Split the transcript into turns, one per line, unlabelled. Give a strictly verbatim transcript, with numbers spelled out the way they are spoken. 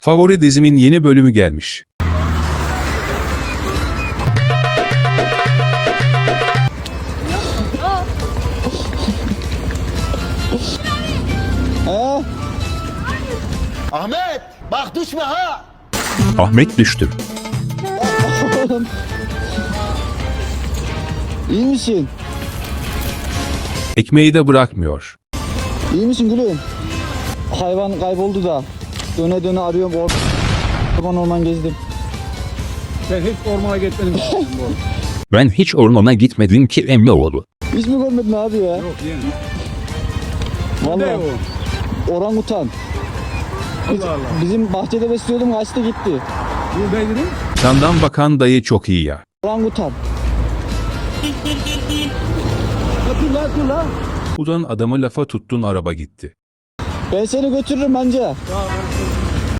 Favori dizimin yeni bölümü gelmiş.
He?
Ahmet bak düşme ha.
Ahmet düştü.
İyi misin?
Ekmeği de bırakmıyor.
İyi misin gülüm? Hayvan kayboldu da. Döne döne arıyorum. Or orman orman gezdim.
Ben hiç ormana gitmedim. bu.
Ben hiç ormana gitmedim ki Emmoğlu.
Hiç mi görmedin abi ya?
Yok yeğenim. Ne
Vallahi
o?
orangutan. Biz-
Allah Allah.
Bizim bahçede besliyordum, kaçtı gitti.
Bu ne dedim?
Yandan bakan dayı çok iyi ya.
Orangutan.
Ha, dur la dur la.
Ulan adamı lafa tuttun araba gitti.
Ben seni götürürüm anca.
Tamam,